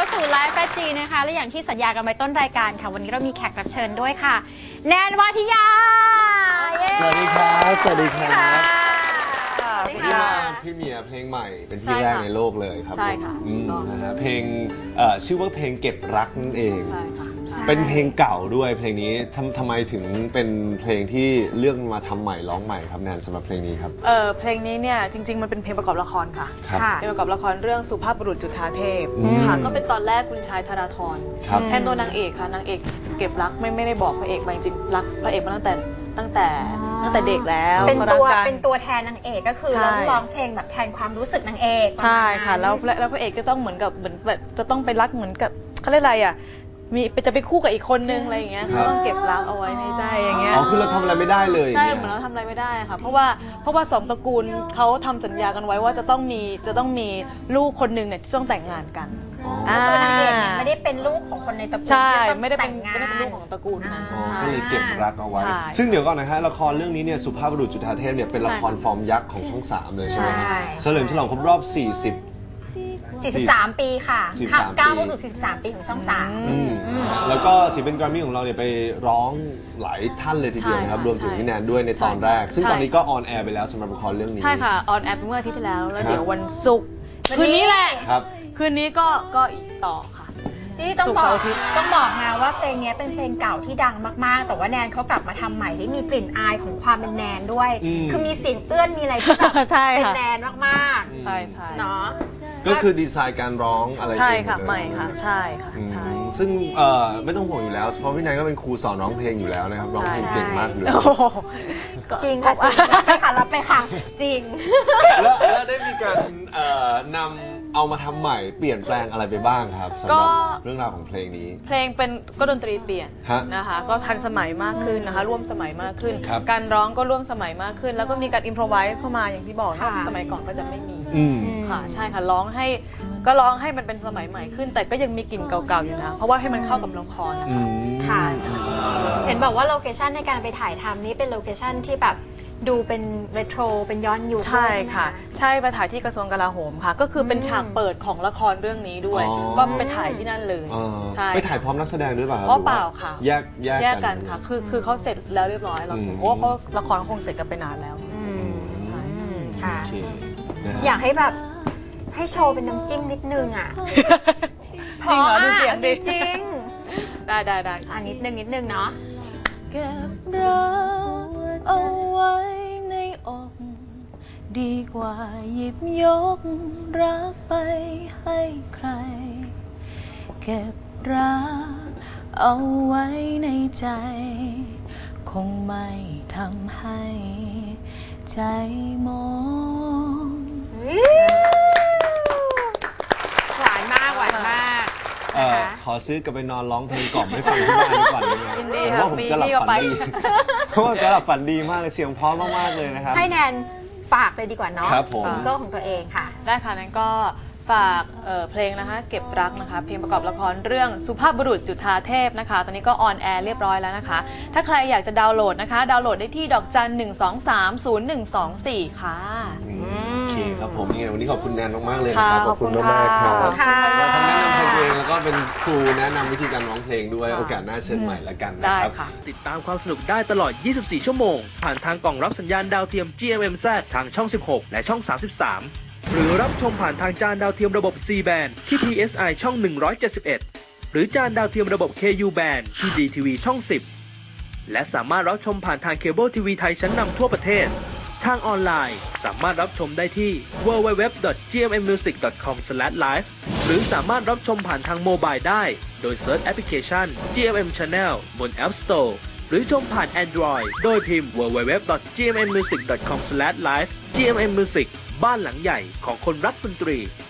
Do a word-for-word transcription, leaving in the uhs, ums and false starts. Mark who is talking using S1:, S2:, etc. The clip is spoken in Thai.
S1: สู่ไลฟ์แฟจีนะคะและอย่างที่สัญญากันไว้ต้นรายการค่ะวันนี้เรามีแขกรับเชิญด้วยค่ะแนนวาทิยา
S2: สวัสดีครับสวัสดีครับ
S1: วันนี้
S2: มาพรีเมียร์เพลงใหม่เป็นที่แรกในโลกเลยครับ
S3: ใช่ค่ะ
S2: นะฮะเพลงชื่อว่าเพลงเก็บรักนั่นเอง
S3: ใช่ค่ะ
S2: เป็นเพลงเก่าด้วยเพลงนี้ทำทำไมถึงเป็นเพลงที่เลือกมาทำใหม่ร้องใหม่ครับแนนสำหรับเพลงนี้ครับ
S3: เออเพลงนี้เนี่ยจริงๆมันเป็นเพลงประกอบละครค่ะเพลงประกอบละครเรื่องสุภาพบุรุษจุฑาเทพค่ะก็เป็นตอนแรกคุณชายธราธรแทนตัวนางเอกค่ะนางเอกเก็บรักไม่ไม่ได้บอกพระเอกมาจริงรักพระเอกมาตั้งแต่ตั้งแต่ตั้งแต่เด็กแล้ว
S1: เป็นตัวเป็นตัวแทนนางเอกก็คือร้องร้องเพลงแบบแทนความรู้สึกนางเอก
S3: ใช่ค่ะแล้วแล้วพระเอกจะต้องเหมือนกับเหมือนแบบจะต้องไปรักเหมือนกับเขาเรียกอะไรอ่ะมีจะไปคู่กับอีกคนนึงอะไรอย่างเงี้ยเขาต้องเก็บรักเอาไว้ในใจอย่างเงี้ย
S2: อ๋อคือเราทำอะไรไม่ได้เลย
S3: ใช่เหมือนเราทำอะไรไม่ได้ค่ะเพราะว่าเพราะว่าสองตระกูลเขาทำสัญญากันไว้ว่าจะต้องมีจะต้องมีลูกคนนึงเนี่ยที่ต้องแต่งงานกัน
S1: ตัวนางเอกเนี่ยไม่ได้เป็นลูกของคนในตระกูล
S3: ใช่ไม่ได้เป็นไม่ได้เป็นลูกของตระกูลนั้น
S2: ก็เลยเก็บรักเอาไว้ซึ่งเดี๋ยวก่อนนะฮะละครเรื่องนี้เนี่ยสุภาพบุรุษจุฑาเทพเนี่ยเป็นละครฟอร์มยักษ์ของช่องสามเลยใช่ไหมเฉลิมฉลองครบรอบสี่สิบ
S1: สี่สิบสามปีค่ะก้าวเข้าสู่สี่สิบสามปีของช่องสาม
S2: แล้วก็ศิลปินแกรมมี่ของเราเนี่ยไปร้องหลายท่านเลยทีเดียวนะครับรวมถึงพี่แนนด้วยในตอนแรกซึ่งตอนนี้ก็ออนแอร์ไปแล้วสำหรับละครเรื่องนี้
S3: ใช่ค่ะออนแอร์เมื่ออาทิตย์ที่แล้วแล้วเดี๋ยววันศุกร์คืนนี้แหละคืนนี้ก็ก็อีกต่อค่ะ
S1: นี่ต้องบอกต้องบอกนะว่าเพลงนี้เป็นเพลงเก่าที่ดังมากๆแต่ว่าแนนเขากลับมาทำใหม่ได้มีกลิ่นอายของความเป็นแนนด้วยคือมีเสียงเอื้อนมีอะไรที่แบบเป็นแนนมาก
S3: ๆใช่ใช่
S1: เนาะ
S2: ก็คือดีไซน์การร้องอะไร
S3: ใช่ค่ะใหม่ค่ะใช่ค่ะ
S2: ซึ่งไม่ต้องห่วงอยู่แล้วเพราะพี่แนนก็เป็นครูสอนร้องเพลงอยู่แล้วนะครับร้องเพลงเก่งมากเลย
S1: จริงค่ะจริงไปค่ะรับไปค่ะจริง
S2: แล้วได้มีการนำเอามาทำใหม่เปลี่ยนแปลงอะไรไปบ้างครับสำหรับเรื่องราวของเพลงนี้
S3: เพลงเป็นก็ดนตรีเปลี่ยนนะคะก็ทันสมัยมากขึ้นนะคะร่วมสมัยมากขึ้นการร้องก็ร่วมสมัยมากขึ้นแล้วก็มีการอิมพรไวส์เข้ามาอย่างที่บอกนะสมัยก่อนก็จะไม่มีค่ะใช่ค่ะร้องให้ก็ร้องให้มันเป็นสมัยใหม่ขึ้นแต่ก็ยังมีกลิ่นเก่าๆอยู่นะเพราะว่าให้มันเข้ากับละครนะคะ
S1: ค่ะเห็นบอกว่าโลเคชันในการไปถ่ายทำนี้เป็นโลเคชันที่แบบดูเป็นเรโทรเป็นย้อนยุค
S3: ใช่ค่ะใช่ไปถ่ายที่กระทรวงกลาโหมค่ะก็คือเป็นฉากเปิดของละครเรื่องนี้ด้วยก็ไปถ่ายที่นั่นเลย
S2: ใช่ไปถ่ายพร้อมนักแสดงด้วยป่ะครับ
S3: อ๋อเปล่าค่ะ
S2: แยก
S3: แยกกันค่ะคือคือเขาเสร็จแล้วเรียบร้อยเราโอ้เขาละครคงเสร็จกันไปนานแล้ว
S1: ใช่ค่ะอยากให้แบบให้โชว์เป็นน้ำจิ้มนิดนึงอ่ะ
S3: จริงเหรอดูเสียง
S1: จริง
S3: ได้ได้ได้
S1: อ่ะนิดนึงนิดนึงเนาะ
S4: เก็บรักเอาไว้ในอกดีกว่าหยิบยกรักไปให้ใครเก็บรักเอาไว้ในใจคงไม่ทำให้ใจมอง
S1: หวานมากหวานมาก
S2: ขอซื้อกลับไปนอนร้องเพลงกล่อมให้ฟังที่บ้านดีกว่าเลยผมว่าผมจะหลับฝันดีเพราะว่าจะหลับฝันดีมากเลยเสียงเพราะมากๆเลยนะครับ
S1: ให้แนนฝากเลยดีกว่าเนาะซิงเกิลของตัวเองค่ะ
S3: ได้ค่ะนั้นก็ฝากเพลงนะคะเก็บรักนะคะเพลงประกอบละครเรื่องสุภาพบุรุษจุฑาเทพนะคะตอนนี้ก็ออนแอร์เรียบร้อยแล้วนะคะถ้าใครอยากจะดาวน์โหลดนะคะดาวน์โหลดได้ที่ดอกจันหนึ่งสองสามศูนย์หนึ่งสองสี่ค่ะ
S2: โอเคครับผมยังไงวันนี้ขอบคุณแนนมากๆเลยนะครับขอบคุณมากๆครับเราทำแนะนำเพลงเองแล้วก็เป็นครูแนะนำวิธีการร้องเพลงด้วยโอกาสหน้าเชิญใหม่ละกันนะครับ
S5: ติดตามความสนุกได้ตลอดยี่สิบสี่ชั่วโมงผ่านทางกล่องรับสัญญาณดาวเทียม จี เอ็ม เอ็ม แซด ทางช่องสิบหกและช่องสามสิบสามหรือรับชมผ่านทางจานดาวเทียมระบบ ซี แบนด์ ที่ พี เอส ไอ ช่องหนึ่งร้อยเจ็ดสิบเอ็ดหรือจานดาวเทียมระบบ เค ยู แบนด์ ที่ ดี ที วี ช่องสิบและสามารถรับชมผ่านทางเคเบิลทีวีไทยชั้นนำทั่วประเทศทางออนไลน์สามารถรับชมได้ที่ ดับเบิลยู ดับเบิลยู ดับเบิลยู ดอท จี เอ็ม เอ็ม มิวสิก ดอท คอม สแลช ไลฟ์ หรือสามารถรับชมผ่านทางโมบายได้โดยเซิร์ชแอปพลิเคชัน จี เอ็ม เอ็ม Channel บน App Store หรือชมผ่าน Android โดยพิมพ์ ดับเบิลยู ดับเบิลยู ดับเบิลยู ดอท จี เอ็ม เอ็ม มิวสิก ดอท คอม สแลช ไลฟ์ จี เอ็ม เอ็ม Music บ้านหลังใหญ่ของคนรักดนตรี